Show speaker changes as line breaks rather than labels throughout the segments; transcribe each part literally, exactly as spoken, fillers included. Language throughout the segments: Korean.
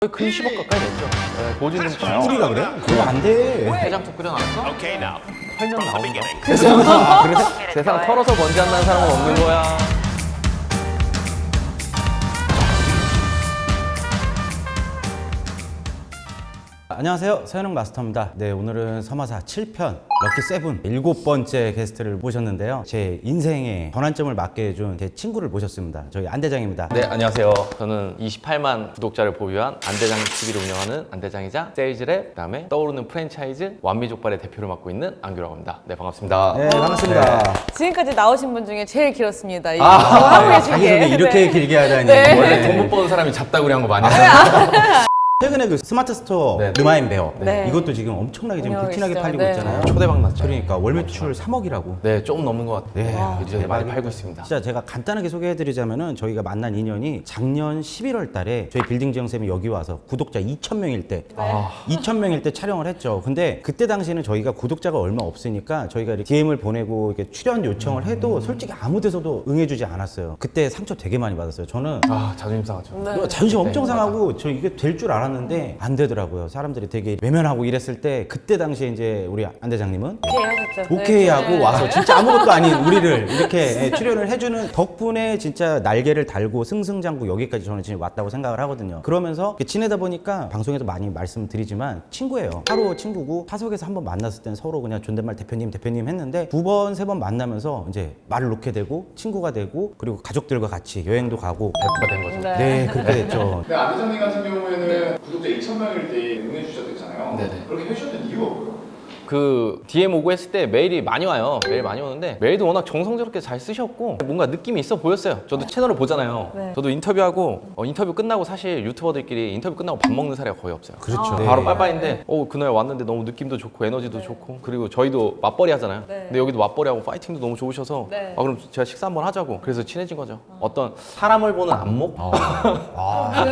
거의 근 십억 가까이 냈죠. 네, 보증금
뿌리가 그래? 그거 안 돼.
해장국 끓여놨어? 털면 나오는 거.
아, 그래?
세상 털어서 먼지 안 나는 사람은 없는 거야.
안녕하세요, 서현웅 마스터입니다. 네, 오늘은 서마사 칠 편 럭키 세븐 일곱 번째 게스트를 모셨는데요. 제 인생의 전환점을 맞게 해준 제 친구를 모셨습니다. 저희 안대장입니다.
네, 안녕하세요. 저는 이십팔만 구독자를 보유한 안대장 티비를 운영하는 안대장이자 세일즈랩, 그다음에 떠오르는 프랜차이즈 완미족발의 대표를 맡고 있는 안규라고 합니다. 네, 반갑습니다.
네, 반갑습니다.
네.
지금까지 나오신 분 중에 제일 길었습니다. 이거
아,
하고 계신
자기소개
게.
이렇게
네.
길게 하다니.
네.
원래 돈 못 버는 사람이 잡다구리 한 거 많이 하잖아요.
최근에 그 스마트 스토어
네.
르마인 베어
네.
이것도 지금 엄청나게 지금
운영하고
불티나게
있어요.
팔리고
네.
있잖아요.
초대박 났죠.
그러니까 월 매출 삼억이라고.
네, 조금 넘는 것 같아요.
네, 와,
이제 많이
대박이다.
팔고 있습니다.
진짜 제가 간단하게 소개해드리자면은 저희가 만난 인연이 작년 십일월 달에 저희 빌딩 지영쌤이 여기 와서 구독자 이천 명일 때
아.
이천 명일 때 촬영을 했죠. 근데 그때 당시에는 저희가 구독자가 얼마 없으니까 저희가 이렇게 디엠을 보내고 이렇게 출연 요청을 해도 솔직히 아무 데서도 응해주지 않았어요. 그때 상처 되게 많이 받았어요. 저는
아, 자존심 상하죠.
네.
자존심 엄청
네,
상하고 저 이게 될 줄 알았는데 안 되더라고요. 사람들이 되게 외면하고 이랬을 때 그때 당시에 이제 우리 안 대장님은
오케이 하셨죠.
오케이
네.
하고 와서 진짜 아무것도 아닌 우리를 이렇게 출연을 해주는 덕분에 진짜 날개를 달고 승승장구 여기까지 저는 지금 왔다고 생각을 하거든요. 그러면서 이렇게 지내다 보니까 방송에도 많이 말씀드리지만 친구예요. 하루 친구고 타석에서 한번 만났을 땐 서로 그냥 존댓말 대표님 대표님 했는데 두 번 세 번 만나면서 이제 말을 놓게 되고 친구가 되고 그리고 가족들과 같이 여행도 가고
배프가 된 거죠.
네.
네 그렇게 됐죠.
근데 안 대장님 같은 경우에는 구독자 이천 명일 때 응해주셨댔잖아요.
네네.
그렇게 해주셨던 이유가 뭐예요?
그 디엠 오고 했을 때 메일이 많이 와요. 메일 많이 오는데 메일도 워낙 정성스럽게 잘 쓰셨고 뭔가 느낌이 있어 보였어요. 저도 채널을 보잖아요.
네.
저도 인터뷰하고 어, 인터뷰 끝나고 사실 유튜버들끼리 인터뷰 끝나고 밥 먹는 사례가 거의 없어요.
그렇죠.
아,
바로
네.
빠빠인데 어 그날 왔는데 너무 느낌도 좋고 에너지도 좋고 그리고 저희도 맞벌이 하잖아요.
네.
근데 여기도 맞벌이하고 파이팅도 너무 좋으셔서
네.
아 그럼 제가 식사 한번 하자고 그래서 친해진 거죠. 어떤 사람을 보는 안목?
아,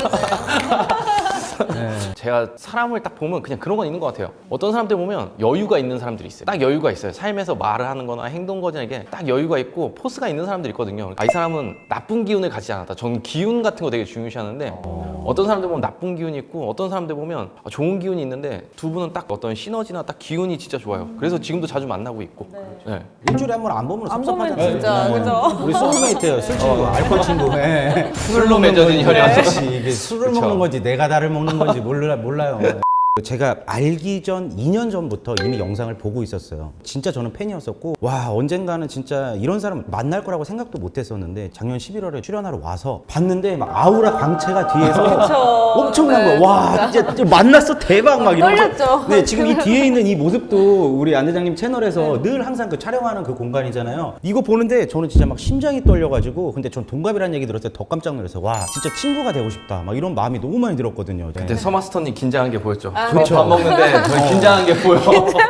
네.
제가 사람을 딱 보면 그냥 그런 건 있는 것 같아요. 어떤 사람들 보면 여유가 있는 사람들이 있어요. 딱 여유가 있어요. 삶에서 말을 하는 거나 행동 거나 이게 딱 여유가 있고 포스가 있는 사람들이 있거든요. 아, 이 사람은 나쁜 기운을 가지지 않았다. 저는 기운 같은 거 되게 중요시하는데 어떤 사람들 보면 나쁜 기운이 있고 어떤 사람들 보면 좋은 기운이 있는데 두 분은 딱 어떤 시너지나 딱 기운이 진짜 좋아요. 그래서 지금도 자주 만나고 있고. 네.
일주일에 한 번 안 보면
안 보면
섭섭하잖아요.
진짜,
네.
그죠?
우리 소울메이트예요. 술 친구, 알코올 친구. 네.
술로 맺어진 혈연.
그렇지. 이게 술을
그쵸.
먹는 건지 내가 나를 먹는 건지 몰라, 몰라요. 제가 알기 전 이 년 전부터 이미 영상을 보고 있었어요. 진짜 저는 팬이었었고 와 언젠가는 진짜 이런 사람 만날 거라고 생각도 못 했었는데 작년 십일월에 출연하러 와서 봤는데 막 아우라 광채가 뒤에서
그쵸.
엄청난
네,
거야. 와 진짜, 진짜 만났어 대박 막 이러면서
떨렸죠.
네 지금 이 뒤에 있는 이 모습도 우리 안 대장님 채널에서 늘 항상 그 촬영하는 그 공간이잖아요. 이거 보는데 저는 진짜 막 심장이 떨려가지고 근데 전 동갑이라는 얘기 들었을 때 더 깜짝 놀랐어요. 와 진짜 친구가 되고 싶다 막 이런 마음이 너무 많이 들었거든요. 네.
그때 서마스터님 긴장한 게 보였죠.
아,
그렇죠.
밥 먹는데 저희 긴장한 게 보여.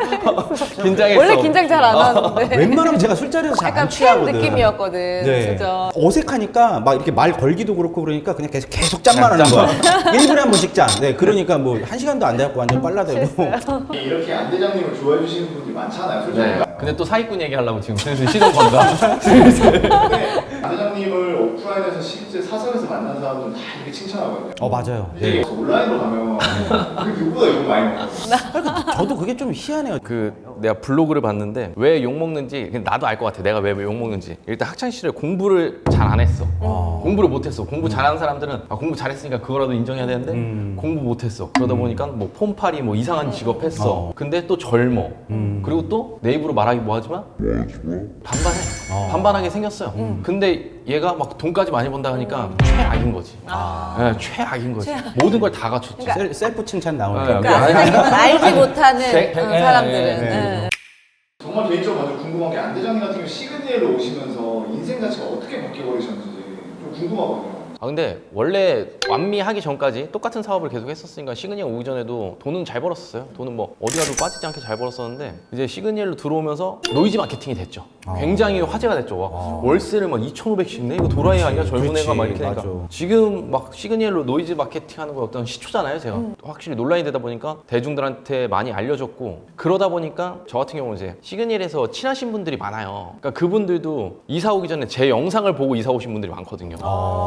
긴장했어.
원래 긴장 잘 안 하는데.
웬만하면 제가 술자리에서 잘
약간
안
팬
취하거든.
느낌이었거든.
네.
진짜.
어색하니까 막 이렇게 말 걸기도 그렇고 그러니까 그냥 계속 계속 짠만 하는 거야. 일 분에 한 번씩 짠. 네, 그러니까 뭐 한 시간도 안 돼갖고 완전 빨라들고.
이렇게 안 대장님을 좋아해 주시는 분들이 많잖아요. 솔직히.
네. 근데 또 사기꾼 얘기하려고 지금 슬슬 시동 건다.
근데 안 대장님을 오프라인에서 실제 사석에서 만난 사람들은 다 이렇게 칭찬하거든요.
어 맞아요.
근데 온라인으로 가면 그 누구보다 욕 많이 먹어요.
저도 그게 좀 희한해요.
그 내가 블로그를 봤는데 왜 욕 먹는지 그냥 나도 알 것 같아. 내가 왜 욕 먹는지. 일단 학창 시절에 공부를 잘 안 했어. 공부를 못 했어. 공부 잘하는 사람들은 아, 공부 잘했으니까 그거라도 인정해야 되는데
음.
공부 못 했어. 그러다 보니까 뭐 폰팔이 뭐 이상한 직업 했어.
어.
근데 또 젊어.
음.
그리고 또 내 입으로 말하기 뭐하지만 반반해.
어.
반반하게 생겼어요. 근데 얘가 막 돈까지 많이 번다 하니까 최악인 거지. 네, 최악인 거지. 모든 걸 다 갖췄지.
셀, 셀프 칭찬 나오니까.
네,
그러니까
아니,
알지 못하는
백- 백-
어,
예,
사람들은.
예, 예.
예.
정말 개인적으로 먼저 궁금한 게 안 대장님 같은 경우 시그니엘로 오시면서 인생 자체가 어떻게 바뀌어버리셨는지 좀 궁금하거든요.
아 근데 원래 완미하기 전까지 똑같은 사업을 계속 했었으니까 시그니엘 오기 전에도 돈은 잘 벌었었어요. 돈은 뭐 어디 가도 빠지지 않게 잘 벌었었는데 이제 시그니엘로 들어오면서 노이즈 마케팅이 됐죠. 굉장히 화제가 됐죠. 와, 월세를 막 이천오백씩 내? 이거 도라이 아니야? 젊은
그렇지,
애가 막 이렇게 하니까
맞아.
지금 막 시그니엘로 노이즈 마케팅 하는 거 어떤 시초잖아요. 제가 확실히 논란이 되다 보니까 대중들한테 많이 알려졌고 그러다 보니까 저 같은 경우는 이제 시그니엘에서 친하신 분들이 많아요. 그러니까 그분들도 이사 오기 전에 제 영상을 보고 이사 오신 분들이 많거든요. 그럼 그분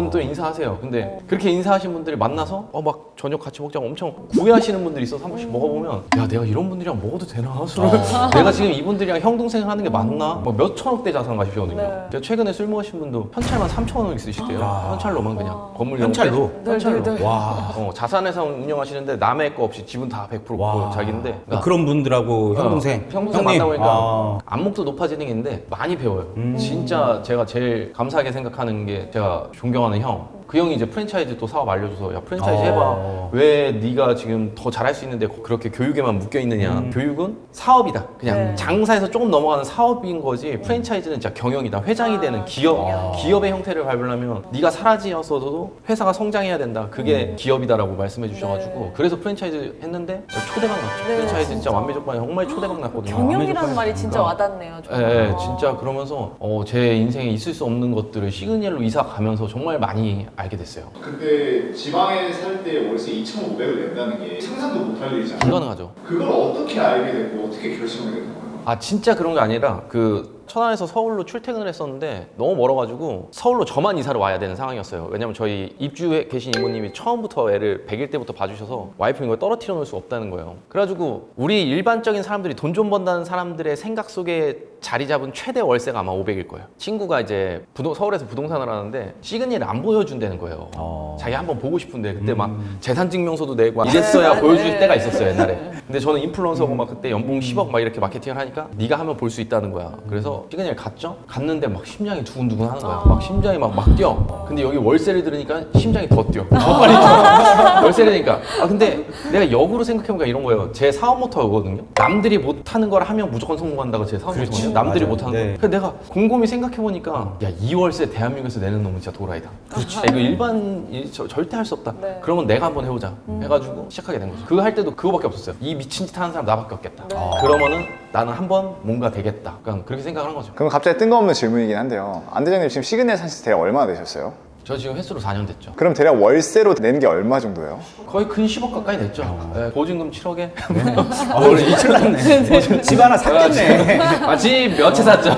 그분도 인사하세요. 근데 그렇게 인사하신 분들이 만나서 어 막 저녁 같이 먹자고 엄청 구애하시는 분들이 있어서 한 번씩 먹어보면 야 내가 이런 분들이랑 먹어도 되나 술을 내가 지금 이분들이랑 형 동생 하는 게 맞나? 막 몇 천억대 자산 가시거든요.
네.
제가 최근에 술 먹으신 분도 현찰만 삼천 원을 쓰시대요. 현찰로만 그냥 건물
현찰로?
현찰로.
네, 네, 네.
와.
어, 자산회사 운영하시는데 남의 거 없이 지분 다 백 퍼센트
와.
자기인데 그러니까
그런 분들하고 형 동생,
어, 형 동생
형님.
만나보니까
아.
안목도 높아지는 게 있는데 많이 배워요.
음.
진짜 제가 제일 감사하게 생각하는 게 제가 존경하는 형. 그 형이 이제 프랜차이즈 또 사업 알려줘서 야 프랜차이즈
어.
해봐. 왜 네가 지금 더 잘할 수 있는데 그렇게 교육에만 묶여 있느냐.
음.
교육은 사업이다. 그냥
네.
장사에서 조금 넘어가는 사업인 거지. 프랜차이즈는 진짜 경영이다. 회장이
아,
되는 기업,
경영.
기업의 형태를 밟으려면 네가 사라지었어도 회사가 성장해야 된다. 그게
음.
기업이다라고 말씀해 주셔가지고
네.
그래서 프랜차이즈 했는데 초대박 났죠.
네,
프랜차이즈 진짜
진짜.
완미족반이 정말 초대박 났거든요.
경영이라는 말이 진짜
그러니까.
와닿네요.
예,
정말.
예, 진짜 그러면서 어, 제 인생에 있을 수 없는 것들을 시그니엘로 이사 가면서 정말 많이 알게 됐어요.
그때 지방에 살 때 월세 이천오백을 낸다는 게 상상도 못할 일이잖아요.
불가능하죠.
그걸 어떻게 알게 됐고 어떻게 결심하게 된 거예요?
아 진짜 그런 게 아니라 그 천안에서 서울로 출퇴근을 했었는데 너무 멀어가지고 서울로 저만 이사를 와야 되는 상황이었어요. 왜냐면 저희 입주해 계신 이모님이 처음부터 애를 백 일 때부터 봐주셔서 와이프 이걸 떨어뜨려 놓을 수 없다는 거예요. 그래가지고 우리 일반적인 사람들이 돈 좀 번다는 사람들의 생각 속에 자리 잡은 최대 월세가 아마 오백일 거예요. 친구가 이제 부동, 서울에서 부동산을 하는데 시그니엘을 안 보여준다는 거예요.
어.
자기 한번 보고 싶은데 그때
음.
막 재산증명서도 내고 이랬어야
네,
보여줄
네.
때가 있었어요 옛날에. 근데 저는 인플루언서고 막 그때 연봉 십억 막 이렇게 마케팅을 하니까 네가 하면 볼 수 있다는 거야. 그래서 시그니엘 갔죠? 갔는데 막 심장이 두근두근 하는 거야. 막 심장이 막 막 뛰어. 근데 여기 월세를 들으니까 심장이 더 뛰어. 더 빨리 뛰어. 월세를 내니까. 아 근데 내가 역으로 생각해보니까 이런 거예요. 제 사업 모토거든요. 남들이 못하는 걸 하면 무조건 성공한다고 제 사업 모토거든요. 남들이
맞아요.
못하는
네.
거. 그래서 내가 곰곰이 생각해보니까 야 이 월세 대한민국에서 내는 놈은 진짜 도라이다. 야, 이거 일반 이, 저, 절대 할 수 없다.
네.
그러면 내가 한번 해보자. 해가지고 시작하게 된 거죠. 그거 할 때도 그거밖에 없었어요. 이 미친 짓 하는 사람 나밖에 없겠다.
네.
그러면은 나는 한번 뭔가 되겠다. 그러니까 그렇게 생각을 한 거죠.
그럼 갑자기 뜬금없는 질문이긴 한데요. 안 대장님 지금 시그니엘 사신 지 대략 얼마나 되셨어요?
저 지금 횟수로 사 년 됐죠.
그럼 대략 월세로 낸 게 얼마 정도예요?
거의 근 십억 가까이 됐죠. 예, 보증금 칠억에.
아, 원래 이천원네. 집 하나 샀겠네.
아, 집 몇 채 샀죠.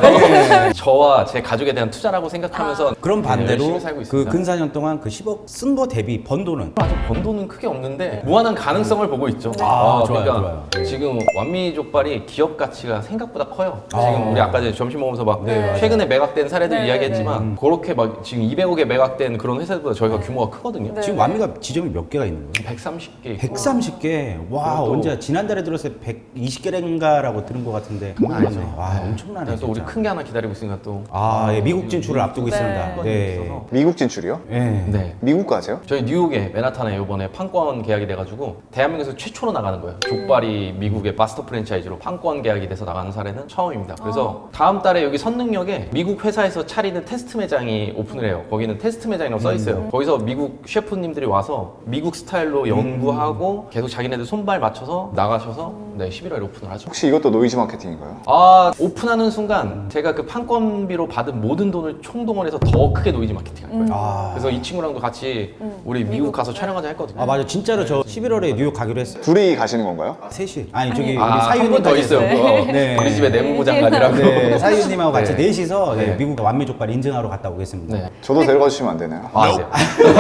저와 제 가족에 대한 투자라고 생각하면서
그럼
네,
반대로
열심히 살고
그
있습니다.
근 사 년 동안 그 십억 쓴 거 대비 번 돈은
아직 번 돈은 크게 없는데 무한한 가능성을 보고 있죠.
아, 좋아요,
그러니까
좋아요.
지금 완미족발이 기업 가치가 생각보다 커요.
아.
지금 우리 아까 전에 점심 먹으면서 막
네.
최근에 매각된 사례들
네,
이야기했지만 그렇게 막 지금 이백억에 매각된 그런 회사들보다 저희가 규모가 크거든요.
네.
지금 완미가 지점이 몇 개가 있는 거예요?
백삼십 개.
백삼십 개. 와,
그것도-
언제 지난달에 들었을 때 백이십 개인가라고 들은 것 같은데.
장난 아니죠.
와, 엄청나네.
또 우리
진짜.
큰 게 하나 기다리고 있으니까 또.
아, 예, 미국 진출을 앞두고
네.
있습니다.
판권이
네.
있어서.
미국 진출이요?
예.
네.
미국까지요?
저희 뉴욕에 맨하탄에 이번에 판권 계약이 돼가지고 대한민국에서 최초로 나가는 거예요. 족발이 미국의 마스터 프랜차이즈로 판권 계약이 돼서 나가는 사례는 처음입니다. 그래서 다음 달에 여기 선능역에 미국 회사에서 차리는 테스트 매장이 오픈을 해요. 거기는 테스트 매장이라고 써 있어요. 거기서 미국 셰프님들이 와서 미국 스타일로 연구하고 계속 자기네들 손발 맞춰서 나가셔서 네, 십일월에 오픈을 하죠.
혹시 이것도 노이즈 마케팅인가요?
아 오픈하는 순간 제가 그 판권비로 받은 모든 돈을 총동원해서 더 크게 노이즈 마케팅 할 거예요.
아.
그래서 이 친구랑도 같이 우리 미국 가서 촬영하자 했거든요.
아, 맞아. 진짜로 저 십일월에 뉴욕 가기로 했어요.
둘이 가시는 건가요?
셋이. 아니, 저기 우리
아, 한
사유님
분 더 있어요.
네.
그거.
네.
우리 집에 내무부 장관이라고.
네, 사유님하고 같이
네.
넷이서 네,
네.
미국 완미족발 인증하러 갔다 오겠습니다.
네.
저도 데려가 주시면 안 되나요?
아, 네.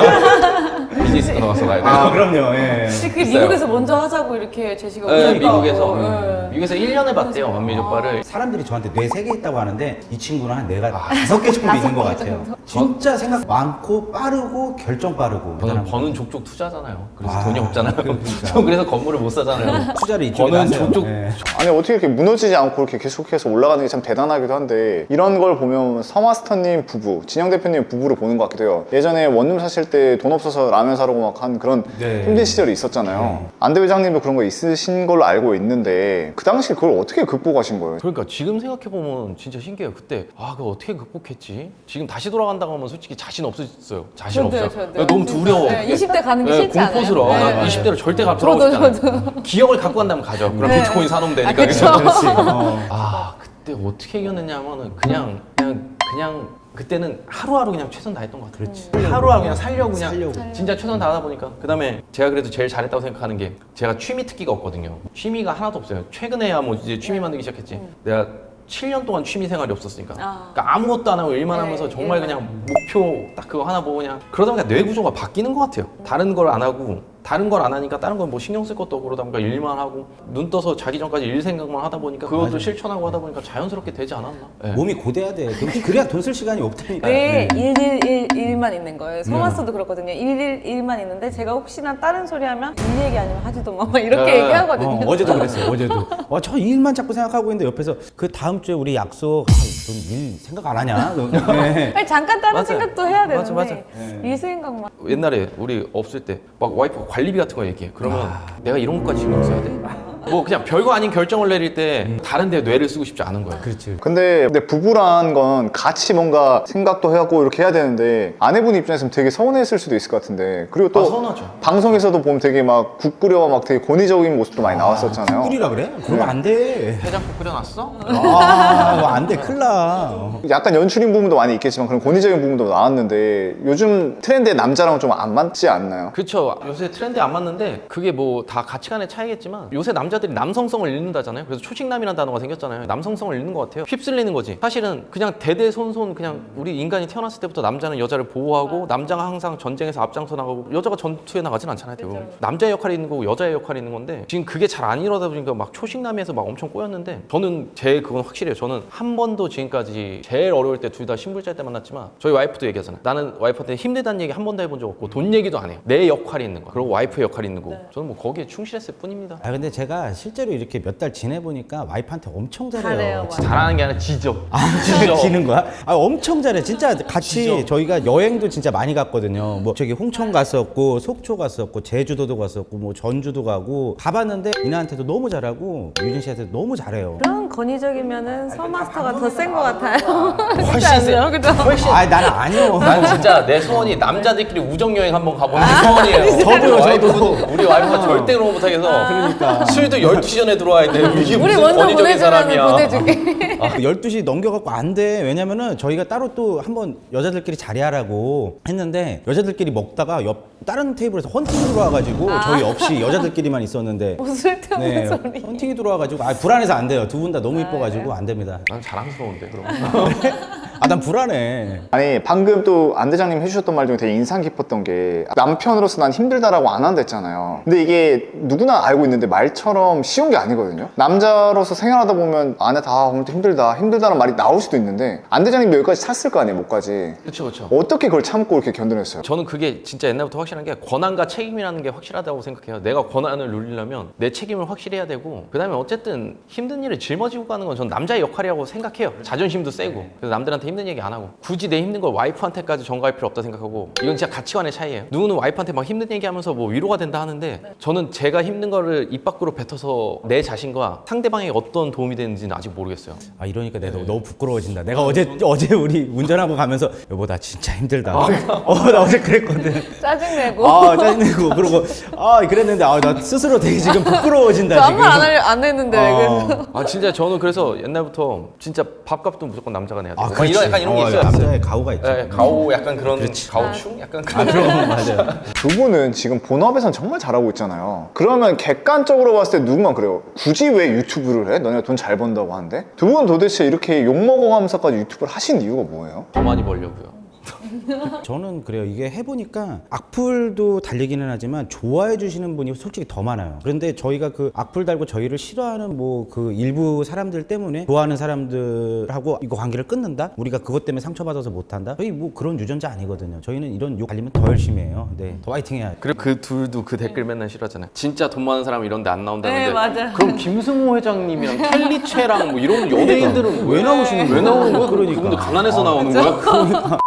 비즈니스 들어가서 가야 돼요.
아, 그럼요. 예.
혹시 그
있어요.
미국에서 먼저 하자고 이렇게 제시가
네,
오셨다고.
미국에서
네.
미국에서 일 년을 봤대요 완미족발을.
사람들이 저한테 뇌 세 개 있다고 하는데 이 친구는 한 뇌가 다섯 개 정도 있는 것 같아요. 진짜 생각 많고 빠르고 결정 빠르고.
저는
대단한
버는 족족 투자잖아요. 그래서
아,
돈이 없잖아요.
그러니까.
전 그래서 건물을 못 사잖아요.
투자를 이쪽에
버는
하세요.
족족
예.
아니 어떻게 이렇게 무너지지 않고 이렇게 계속해서 올라가는 게 참 대단하기도 한데 이런 걸 보면 서마스터님 부부, 진영 대표님 부부를 보는 것 같기도 해요. 예전에 원룸 사실 때 돈 없어서 라면 사려고 막 한 그런
네.
힘든 시절이 있었잖아요. 안대 회장님도 그런 거 있으신 걸로 알고 있는데 그 당시 그걸 어떻게 극복하신 거예요?
그러니까 지금 생각해보면 진짜 신기해요. 그때 아 그거 어떻게 극복했지? 지금 다시 돌아간다고 하면 솔직히 자신 없어졌어요. 자신
저도요,
없어요.
저도요.
너무 두려워.
네, 이십 대 가는 게
네,
싫지 않아요?
공포스러워.
네.
나 이십 대로 절대 가 들어가고
저도,
싶지 않아요. 기억을 갖고 간다면 가죠. 그럼
네.
비트코인 사놓으면 되니까.
아, 그쵸.
그죠?
어.
아 그때 어떻게 이겼느냐 하면은 그냥 그냥 그냥 그때는 하루하루 그냥 최선 다했던 것 같아요.
그렇지.
하루하루 그냥 살려고 그냥
살려고.
진짜 최선 다하다 보니까 그다음에 제가 그래도 제일 잘했다고 생각하는 게 제가 취미 특기가 없거든요. 취미가 하나도 없어요. 최근에야 뭐 이제 취미 만들기 시작했지. 내가 칠 년 동안 취미 생활이 없었으니까.
아.
그러니까 아무것도 안 하고 일만
네,
하면서 정말
일만.
그냥 목표 딱 그거 하나 보고 그냥 그러다 보니까 뇌 구조가 바뀌는 것 같아요. 다른 걸 안 하고 다른 걸 안 하니까 다른 건 뭐 신경 쓸 것도 없고 그러다 보니까 일만 하고 눈 떠서 자기 전까지 일 생각만 하다 보니까 그것도
맞아요.
실천하고 하다 보니까 자연스럽게 되지 않았나? 네.
몸이 고돼야 돼. 그- 그래야 돈 쓸 시간이 없다니까.
왜
네.
일일일만 있는 거예요? 서마스도 그렇거든요. 일일일만 있는데 제가 혹시나 다른 소리 하면 일 얘기 아니면 하지도 마 막 이렇게
네.
얘기하거든요.
어, 어제도 그랬어요. 어제도. 어, 저 일만 자꾸 생각하고 있는데 옆에서 그 다음 주에 우리 약속. 아, 넌 일 생각 안 하냐? 네.
아니, 잠깐 다른
맞아요.
생각도 해야 되는데
맞아, 맞아.
일 생각만.
옛날에 우리 없을 때 막 와이프 관리비 같은 거 얘기해. 그러면 내가 이런 것까지 신경 써야 돼? 뭐 그냥 별거 아닌 결정을 내릴 때 다른 데 뇌를 쓰고 싶지 않은 거야.
그렇지.
근데, 근데 부부란 건 같이 뭔가 생각도 해갖고 이렇게 해야 되는데 아내분 입장에서는 되게 서운했을 수도 있을 것 같은데 그리고 또
아, 서운하죠.
방송에서도 보면 되게 막 국 끓여와 막 되게 권위적인 모습도 많이 나왔었잖아요.
꿀이라 그래? 그러면 안 돼.
해장국 끓여놨어?
아, 이거 안 돼. 큰일 나.
약간 연출인 부분도 많이 있겠지만 그런 권위적인 부분도 나왔는데 요즘 트렌드의 남자랑은 좀 안 맞지 않나요?
그쵸. 요새 트렌드에 안 맞는데 그게 뭐 다 가치관의 차이겠지만 요새 남자들이 남성성을 잃는다잖아요. 그래서 초식남이라는 단어가 생겼잖아요. 남성성을 잃는 것 같아요. 휩쓸리는 거지. 사실은 그냥 대대손손 그냥 우리 인간이 태어났을 때부터 남자는 여자를 보호하고 남자가 항상 전쟁에서 앞장서 나가고 여자가 전투에 나가진 않잖아요. 대부분. 남자의 역할이 있는 거고 여자의 역할이 있는 건데 지금 그게 잘 안 이루어다 보니까 막 초식남에서 막 엄청 꼬였는데 저는 제 그건 확실해요. 저는 한 번도 지금까지 제일 어려울 때 둘 다 신불자일 때 만났지만 저희 와이프도 얘기하잖아요. 나는 와이프한테 힘들다는 얘기 한 번도 해본 적 없고 돈 얘기도 안 해요. 내 역할이 있는 거야. 그리고 와이프의 역할이 있는 거고 저는 뭐 거기에 충실했을 뿐입니다.
아 근데 제가 실제로 이렇게 몇 달 지내보니까 와이프한테 엄청 잘해요.
잘해요,
진짜.
잘하는 게 아니라 지져.
아, 진짜 지는 거야? 아, 엄청 잘해. 진짜 같이
지져.
저희가 여행도 진짜 많이 갔거든요. 뭐 저기 홍천 갔었고, 속초 갔었고, 제주도도 갔었고, 뭐 전주도 가고 가봤는데 이나한테도 너무 잘하고 유진 씨한테도 너무 잘해요.
그런 권위적이면은 서마스터가 더 센 것 같아요.
훨씬 세.
않나요? 그죠?
훨씬
아, 나는 아니요.
난 진짜 내 소원이 남자들끼리 우정 여행 한번 가보는 게 소원이에요.
저도요,
와이프,
저도.
우리 와이프가 절대 그런 거 못하겠어.
그러니까.
술도 열두 시 전에 들어와야 돼. 이게
우리
무슨
먼저
권위적인
보내주면
사람이야.
보내줄게.
아, 열두 시 넘겨갖고 안 돼. 왜냐면은 저희가 따로 또 한번 여자들끼리 자리하라고 했는데 여자들끼리 먹다가 옆 다른 테이블에서 헌팅이 들어와가지고 저희 없이 여자들끼리만 있었는데
뭐 쓸데없는
네,
소리.
헌팅이 들어와가지고 아 불안해서 안 돼요. 두 분 다 너무 이뻐가지고 안 됩니다.
난 자랑스러운데 그럼.
아 난 불안해.
아니 방금 또 안 대장님 해주셨던 말 중에 되게 인상 깊었던 게 남편으로서 난 힘들다라고 안 한다 했잖아요. 근데 이게 누구나 알고 있는데 말처럼 쉬운 게 아니거든요. 남자로서 생활하다 보면 아내 다 오늘 힘들다 힘들다는 말이 나올 수도 있는데 안 대장님 여기까지 찼을 거 아니에요, 목까지.
그렇죠, 그렇죠.
어떻게 그걸 참고 이렇게 견뎌냈어요?
저는 그게 진짜 옛날부터 확실한 게 권한과 책임이라는 게 확실하다고 생각해요. 내가 권한을 누리려면 내 책임을 확실히 해야 되고 그다음에 어쨌든 힘든 일을 짊어지고 가는 건 전 남자의 역할이라고 생각해요. 자존심도 세고 그래서 남들한테 힘든 얘기 안 하고 굳이 내 힘든 걸 와이프한테까지 전가할 필요 없다 생각하고 이건 진짜 가치관의 차이예요. 누구는 와이프한테 막 힘든 얘기하면서 뭐 위로가 된다 하는데 저는 제가 힘든 거를 입 밖으로 뱉어서 내 자신과 상대방에게 어떤 도움이 되는지는 아직 모르겠어요.
아 이러니까 내가 너무 부끄러워진다. 내가 어제 어제 우리 운전하고 가면서 여보 나 진짜 힘들다. 어 나 어제 그랬거든.
짜증내고.
아 짜증내고 그러고 아 그랬는데 아 나 스스로 되게 지금 부끄러워진다
저 아무
지금.
말 안 하려 안 했는데 왜
어.
그래서.
아 진짜 저는 그래서 옛날부터 진짜 밥값도 무조건 남자가 내야 돼요.
아,
막
그렇지.
이런 약간 이런 게
어,
있어요.
남자의 가오가 있죠.
네, 가오 약간 그런 가오충 약간
아
그런.
그런 거 맞아요.
두 분은 지금 본업에선 정말 잘하고 있잖아요. 그러면 객관적으로 봤을 때 누구만 그래요? 굳이 왜 유튜브를 해? 너네가 돈 잘 번다고 하는데? 두 분은 도대체 이렇게 욕먹어가면서까지 유튜브를 하신 이유가 뭐예요?
더 많이 벌려고요.
저는 그래요. 이게 해보니까 악플도 달리기는 하지만 좋아해 주시는 분이 솔직히 더 많아요. 그런데 저희가 그 악플 달고 저희를 싫어하는 뭐 그 일부 사람들 때문에 좋아하는 사람들하고 이거 관계를 끊는다? 우리가 그것 때문에 상처받아서 못한다? 저희 뭐 그런 유전자 아니거든요. 저희는 이런 욕 달리면 더 열심히 해요. 네, 더 화이팅 해야 돼.
그리고 그 둘도 그 댓글 맨날 싫어하잖아요. 진짜 돈 많은 사람 이런 데 안 나온다는데.
네, 맞아요.
그럼 김승호 회장님이랑 켈리체랑 뭐 이런 연예인들은
왜 나오시는
왜
거예요?
나오는 거야?
그러니까.
그분들 가난해서 나오는 거야?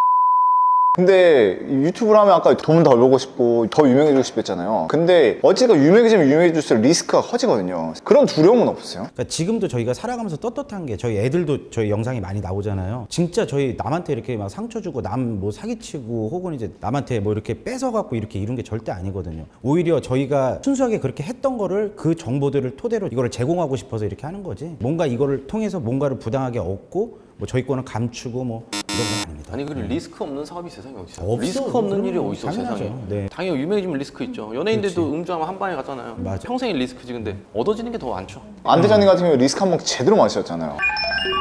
근데 유튜브를 하면 아까 돈 더 벌고 싶고 더 유명해지고 싶어 했잖아요. 근데 어찌가 유명해지면 유명해질수록 리스크가 커지거든요. 그런 두려움은 없으세요?
그러니까 지금도 저희가 살아가면서 떳떳한 게 저희 애들도 저희 영상이 많이 나오잖아요. 진짜 저희 남한테 이렇게 막 상처 주고 남 뭐 사기치고 혹은 이제 남한테 뭐 이렇게 뺏어갖고 이렇게 이런 게 절대 아니거든요. 오히려 저희가 순수하게 그렇게 했던 거를 그 정보들을 토대로 이거를 제공하고 싶어서 이렇게 하는 거지. 뭔가 이거를 통해서 뭔가를 부당하게 얻고 뭐 저희 거는 감추고 뭐 이런 건 아닙니다.
아니 그리고 리스크 없는 사업이 세상에 어디 있어요?
없어.
리스크 없는 일이 어디 있어
당연하죠.
세상에?
네.
당연히 유명해지면 리스크 있죠. 연예인들도 음주하면 한 방에 갔잖아요.
맞아.
평생의 리스크지 근데 얻어지는 게 더 많죠.
안 대장님 같은 경우 리스크 한 번 제대로 마셨잖아요.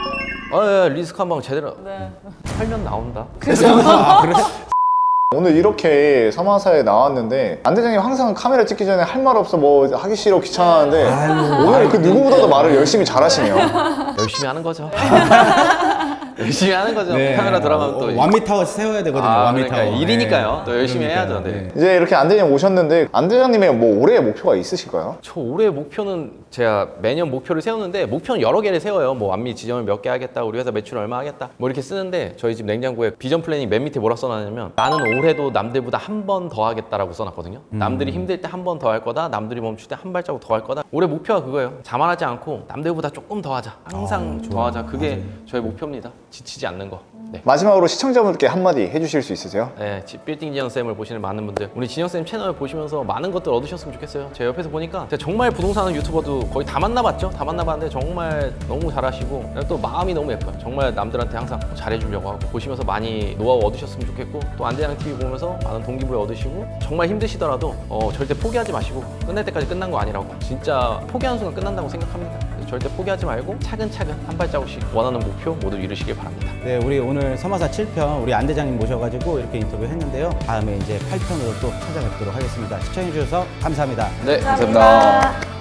아, 예, 리스크 한방 제대로
네.
살면 나온다.
아, 그래?
오늘 이렇게 서마사에 나왔는데 안 대장님 항상 카메라 찍기 전에 할 말 없어 뭐 하기 싫어 귀찮아하는데
아유,
오늘 그 누구보다도 말을 열심히 잘하시네요.
열심히 하는 거죠. 열심히 하는 거죠.
네.
카메라 들어가면 또
어, 완미타워 세워야 되거든요.
아,
완미타워.
그러니까 일이니까요.
네.
또 열심히
그러니까요.
해야죠. 네.
이제 이렇게 안 대장님 오셨는데 안 대장님의 뭐 올해의 목표가 있으실까요?
저 올해 목표는 제가 매년 목표를 세우는데 목표는 여러 개를 세워요. 뭐 완미 지점을 몇 개 하겠다, 우리 회사 매출 얼마 하겠다, 뭐 이렇게 쓰는데 저희 집 냉장고에 비전 플래닝 맨 밑에 뭐라 써놨냐면 나는 올해도 남들보다 한 번 더 하겠다라고 써놨거든요. 남들이 힘들 때 한 번 더 할 거다, 남들이 멈출 때 한 발자국 더 할 거다. 올해 목표가 그거예요. 자만하지 않고 남들보다 조금 더 하자, 항상
아,
더 하자. 그게 저의 목표입니다. 지치지 않는 거. 네.
마지막으로 시청자분들께 한마디 해주실 수 있으세요?
네, 지- 빌딩 진영쌤을 보시는 많은 분들, 우리 진영쌤 채널 보시면서 많은 것들 얻으셨으면 좋겠어요. 제 옆에서 보니까 제가 정말 부동산 하는 유튜버도 거의 다 만나봤죠? 다 만나봤는데 정말 너무 잘하시고 또 마음이 너무 예뻐요. 정말 남들한테 항상 잘해주려고 하고 보시면서 많이 노하우 얻으셨으면 좋겠고 또 안대장 티비 보면서 많은 동기부여 얻으시고 정말 힘드시더라도 어, 절대 포기하지 마시고 끝날 때까지 끝난 거 아니라고 진짜 포기하는 순간 끝난다고 생각합니다. 그래서 절대 포기하지 말고 차근차근 한 발자국씩 원하는 목표 모두 이루시길 바랍니다.
네, 우리 오늘 서마사 칠 편 우리 안 대장님 모셔가지고 이렇게 인터뷰 했는데요. 다음에 이제 팔 편으로 또 찾아뵙도록 하겠습니다. 시청해주셔서 감사합니다.
네,
감사합니다.